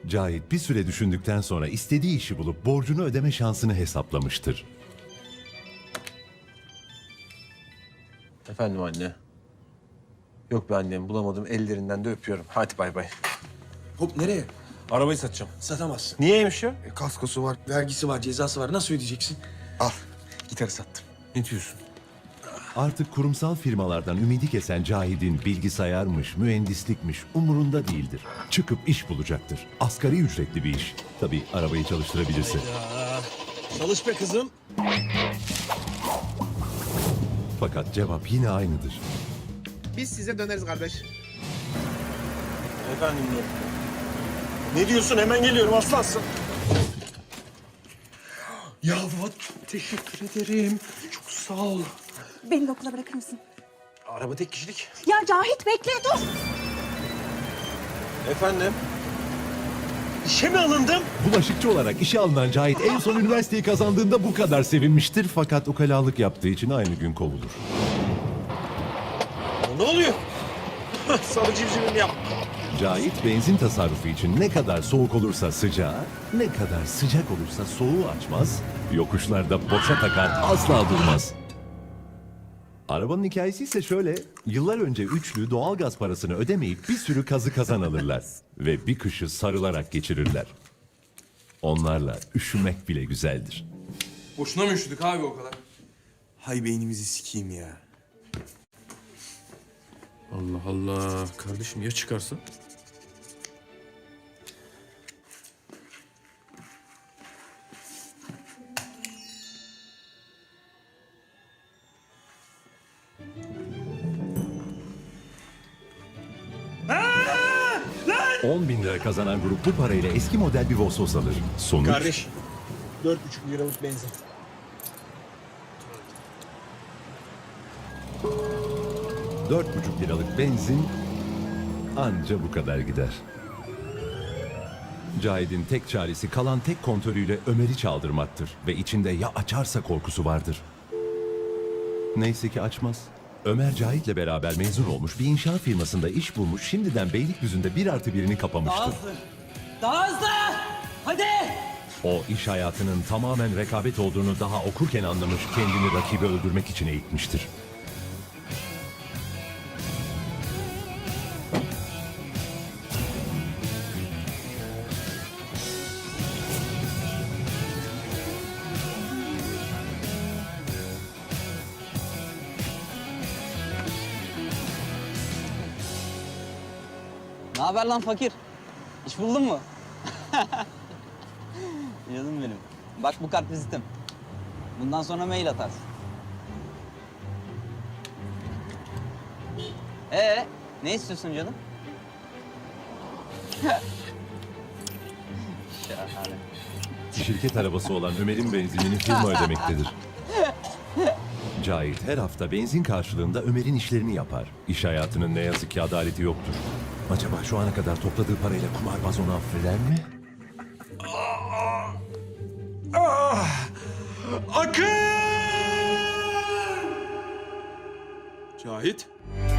Cahit bir süre düşündükten sonra istediği işi bulup borcunu ödeme şansını hesaplamıştır. Efendim anne. Yok be annem, bulamadım. Ellerinden de öpüyorum. Hadi bay bay. Hop nereye? Arabayı satacağım. Satamazsın. Niyeymiş ya? Kaskosu var, vergisi var, cezası var. Nasıl ödeyeceksin? Al, gitarı sattım. Ne diyorsun? Artık kurumsal firmalardan ümidi kesen Cahit'in bilgisayarmış, mühendislikmiş umurunda değildir. Çıkıp iş bulacaktır. Asgari ücretli bir iş. Tabii arabayı çalıştırabilirse. Çalış be kızım. Fakat cevap yine aynıdır. Biz size döneriz kardeş. Efendim diyor. Ne diyorsun? Hemen geliyorum aslansın. Ya Fuat, teşekkür ederim. Çok sağ ol. Beni de okula bırakır mısın? Araba tek kişilik. Ya Cahit bekle dur. Efendim? İşe mi alındım? Bulaşıkçı olarak işe alınan Cahit en son üniversiteyi kazandığında bu kadar sevinmiştir. Fakat ukalalık yaptığı için aynı gün kovulur. Ne oluyor? Sarı civcivimi yap. Cahit benzin tasarrufu için ne kadar soğuk olursa sıcağı, ne kadar sıcak olursa soğuğu açmaz, yokuşlarda boşa takar asla durmaz. Arabanın hikayesi ise şöyle, yıllar önce üçlü doğalgaz parasını ödemeyip bir sürü kazı kazan alırlar ve bir kışı sarılarak geçirirler. Onlarla üşümek bile güzeldir. Boşuna mı üşüdük abi o kadar? Hay beynimizi sikeyim ya. Allah Allah. Kardeşim ya çıkarsa? Lan! 10.000 lira kazanan grup bu parayla eski model bir Vosvos alır. Sonuç... Kardeş, 4,5 liralık benzin. ...4,5 liralık benzin anca bu kadar gider. Cahit'in tek çaresi kalan tek kontörüyle Ömer'i çaldırmaktır ve içinde ya açarsa korkusu vardır. Neyse ki açmaz. Ömer Cahit'le beraber mezun olmuş, bir inşaat firmasında iş bulmuş, şimdiden Beylikdüzü'nde 1+1'ini kapamıştır. Daha hızlı! Hadi! O iş hayatının tamamen rekabet olduğunu daha okurken anlamış, kendini rakibi öldürmek için eğitmiştir. Ne haber lan fakir? İş buldun mu? Canım benim. Bak bu kart vizitim. Bundan sonra mail atarsın. Ne istiyorsun canım? Şahane. Şirket arabası olan Ömer'in benzinini firma ödemektedir. Cahit her hafta benzin karşılığında Ömer'in işlerini yapar. İş hayatının ne yazık ki adaleti yoktur. Acaba şu ana kadar topladığı parayla kumarbaz onu affeder mi? Akın! Cahit.